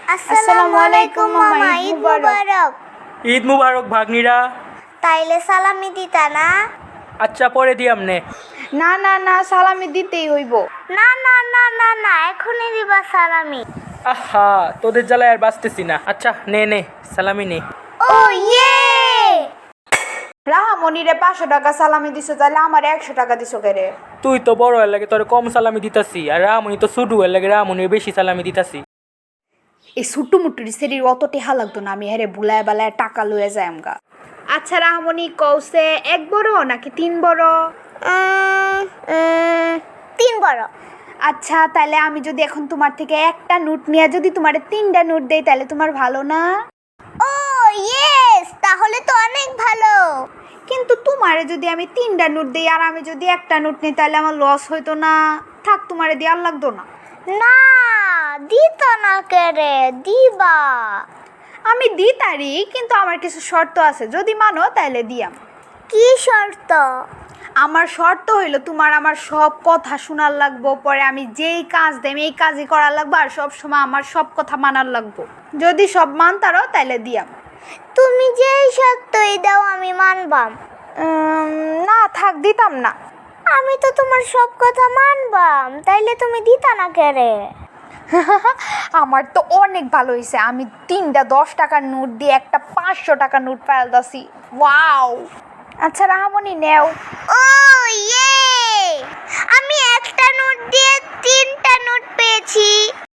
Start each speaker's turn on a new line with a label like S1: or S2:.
S1: আসসালামু আলাইকুম মামা, ঈদ মুবারক।
S2: ঈদ মুবারক ভাগ্নিরা।
S1: তাইলে সালামি দিতা না?
S2: আচ্ছা পরে দিই আমনে।
S3: না না না, সালামি দিতেই হইব।
S1: না না না না না, এখনই দিবা সালামি।
S2: আহা, তোদের জ্বালায় আর বাঁচতেছি না। আচ্ছা নে নে সালামি নে।
S1: ও ইয়ে!
S3: রাহামণিরে 500 টাকা সালামি দিছো, তাহলে আমার 100 টাকা দিছো কেরে?
S2: তুই তো বড় হয়ে লাগে তোর কম সালামি দিতাছি, আর রামুনি তো ছোট হয়ে লাগে রামুনির বেশি সালামি দিতাছি।
S3: এই ছোট্ট মুট্টুর শরীর অত টেহা লাগতো না, আমি হেরে ভুলায় বেলায় টাকা লয়ে যাই আমগা। আচ্ছা রাহামণি, কৌসে 1 বড় নাকি 3 বড়?
S1: 3 বড়।
S3: আচ্ছা তাহলে আমি যদি এখন তোমার থেকে একটা নোট নিয়ে যদি তোমার 3টা নোট দেই, তাহলে তোমার ভালো না?
S1: ও ইয়েস, তাহলে তো অনেক ভালো।
S3: কিন্তু তোমারে যদি আমি 3টা নোট দেই আর আমি যদি একটা নোট নিই, তাহলে আমার লস হইতো না? থাক, তোমারে দেওয়ার লাগতো না।
S1: না, দিতা না কেরে, দিবা।
S3: আমি দিতারি, কিন্তু আমার কিছু শর্ত আছে, যদি মানো তাহলে দিয়াম।
S1: কি শর্ত?
S3: আমার শর্ত হইলো তোমার আমার সব কথা শোনার লাগবো, পরে আমি যেই কাজ দেম এই কাজই করার লাগবো, আর সব সময় আমার সব কথা মানার লাগবো। যদি সব মানতারও তাহলে দিয়াম।
S1: তুমি যেই শর্তই দাও আমি মানবাম।
S3: না থাক, দিতাম না।
S1: আমি তো তোমার সব কথা মানবাম, তাইলে তুমি দিতা না কেরে?
S3: আমার তো অনেক ভালো হয়েছে, আমি 3টা 10 টাকার নোট দিয়ে একটা 500 টাকার নোট পাইলতাছি। ওয়াও! আচ্ছা রাহামণি নেও।
S1: ও ইয়ে! আমি একটা নোট দিয়ে 3টা নোট পেয়েছি।